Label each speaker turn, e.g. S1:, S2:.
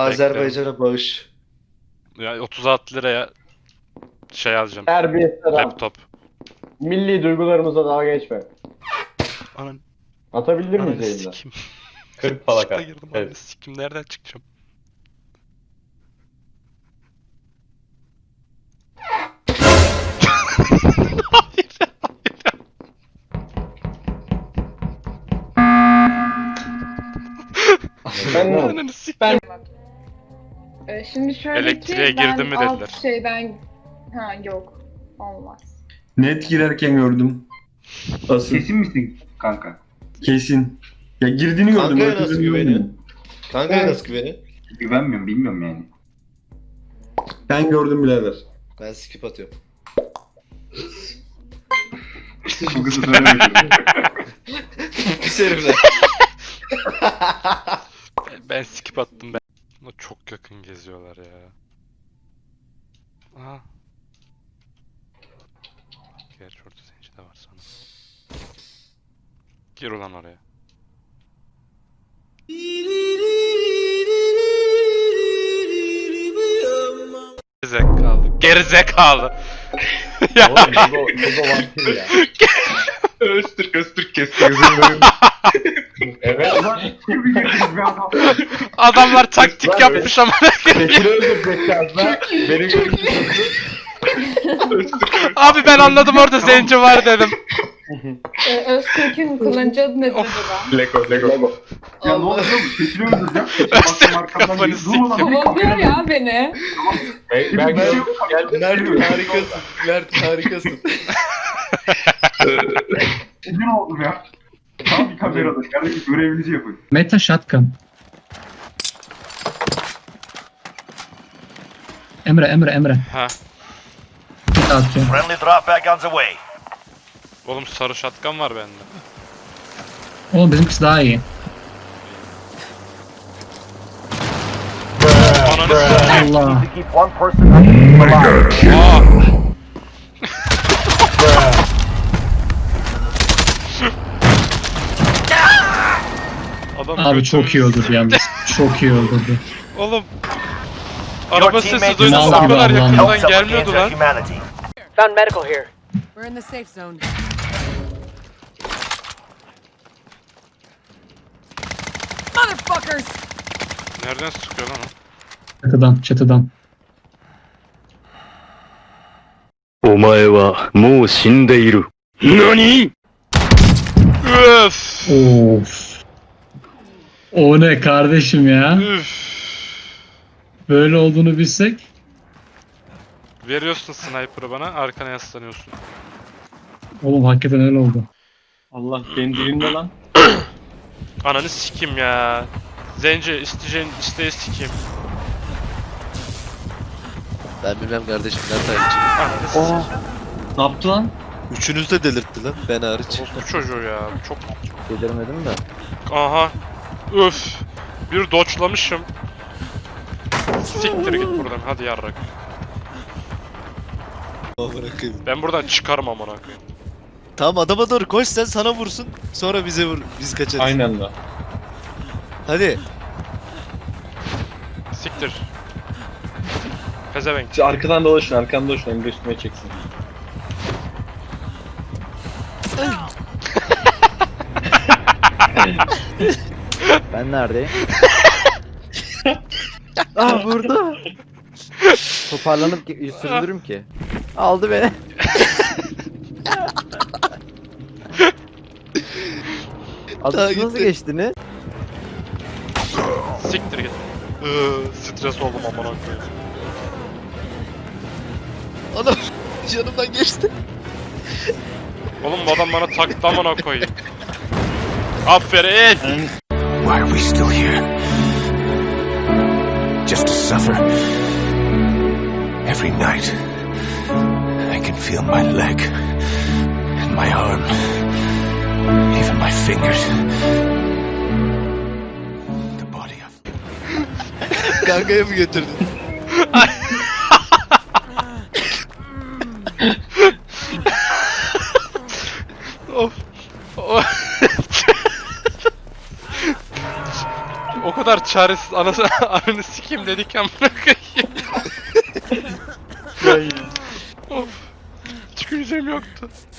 S1: Azerbaycan'a bağış.
S2: Ya 36 liraya şey alacağım.
S3: Terbiyesiz adam.
S2: Laptop.
S3: Milli duygularımıza dalga geçme.
S2: Anan,
S3: Atabilir
S2: ananı
S3: miyiz yayında?
S2: sikim.
S4: 40 falaka.
S2: Çıkla girdim ananı
S4: Evet.
S2: sikim. Nereden çıkacağım?
S3: Ben
S2: Ananı sikim.
S5: Şimdi şöyle
S2: Elektriğe
S5: ki ben
S2: girdin mi
S5: alt
S2: dediler.
S5: şeyden... Ha yok. Olmaz.
S6: Net girerken gördüm. Asıl
S7: Kesin misin kanka?
S6: kesin. Ya girdiğini gördüm.
S1: Kankaya
S6: ötesini
S1: nasıl güveniyor?
S6: görmedim.
S1: Kankaya nasıl güveni?
S7: Güvenmiyorum, bilmiyorum yani.
S6: Ben gördüm birader.
S1: Ben skip atıyorum.
S7: Bu kızı söylemedim.
S1: Pis herifler.
S2: Ben skip attım ben. Ama çok yakın geziyorlar ya. Aha. Gerçi orada zenci de var sana. Gir ulan oraya. Gerizekalı. Gerizekalı. Ya.
S3: Oğlum Ego vampir ya.
S4: Öztürk kesti gözümü.
S3: Evet.
S7: Ulan kim bir adam?
S2: Adamlar taktik yapmış ama.
S3: Bekir'i öldürecekler lan. Beni görüyorsun.
S2: Abi ben anladım orada zenci var dedim.
S5: Öztürk'ün kullanıcı adı nedir acaba?
S4: Lego.
S7: Ya ne oldu oğlum? Keçini öldüreceğim.
S2: Baktım arkamdan
S7: Kafanı
S2: geliyor.
S7: siktim.
S5: Kovalıyor ya beni.
S3: Ben
S1: Mert harikasın. Mert harikasın.
S7: Ne oldu ya? Tam bir kamerada. Kardeşim görevinizi yapın.
S8: Meta shotgun. Emre.
S2: Ha.
S8: Bir daha atıyor.
S9: Friendly drop back on the way.
S2: Oğlum sarı şatkan var bende.
S8: Oğlum bizimkisi daha iyi.
S2: Ananı s**eyim.
S8: Allah.
S9: To keep one person alive.
S2: Aa. Adam
S8: Abi çok iyi
S2: götümüzü
S8: öldürdü yalnız. Çok iyi öldürdü.
S2: Oğlum. Araba sesi duydum
S8: Mal
S2: o
S8: gibi
S2: kadar
S8: Allah'ım.
S2: yakından
S9: Helps up
S2: gelmiyordu
S9: against
S2: lan.
S9: humanity.
S10: Found medical here.
S11: We're in the safe zone. Motherfuckers!
S2: Nereden sıkıyor lan o?
S8: Çatıdan.
S12: お前はもう死んでいる。何？
S2: Öf.
S8: Of. O ne kardeşim ya?
S2: Üf.
S8: Böyle olduğunu bilsek.
S2: Veriyorsun sniper'ı bana, arkana yaslanıyorsun.
S8: Oğlum hakikaten öyle oldu.
S4: Allah benim dilimde lan.
S2: Ananı sikim ya. Zenci isteyeceğin isteği sikim.
S1: Ben bilmem kardeşim. Mert hariç.
S2: Ananı sikim.
S4: Ne yaptı lan?
S1: Üçünüz de delirtti lan. Ben hariç.
S2: Bu çocuğu ya. Çok.
S3: Delirmedim de.
S2: Aha. Öf. Bir doçlamışım. Siktir git buradan hadi yarrak.
S1: Bırakayım.
S2: Ben buradan çıkarım amına koyayım.
S1: Tamam adama doğru koş sen sana vursun. Sonra bize vur. Biz kaçarız.
S4: Aynen lan.
S1: Hadi.
S2: Siktir. Pezevenk.
S4: Siz arkadan dolaşın Emre üstüme çeksin.
S3: Ben neredeyim?
S1: Burada.
S3: Toparlanıp sürdürürüm ki. Aldı beni.
S1: Daha
S3: Adı nasıl
S1: gitti.
S3: geçtiniz?
S2: Siktir git. Stres oldum amına koyayım.
S1: Adam yanımdan geçti.
S2: Oğlum bu adam bana taktı amına koyayım. Aferin.
S9: Why are we still here? Just to suffer. Every night, I can feel my leg and my arm, even my fingers. The body of...
S1: Kankaya mı götürdün?
S2: Of. O kadar çaresiz ananı sikeyim dedik amına koyayım. Of. Çıkacağım yoktu.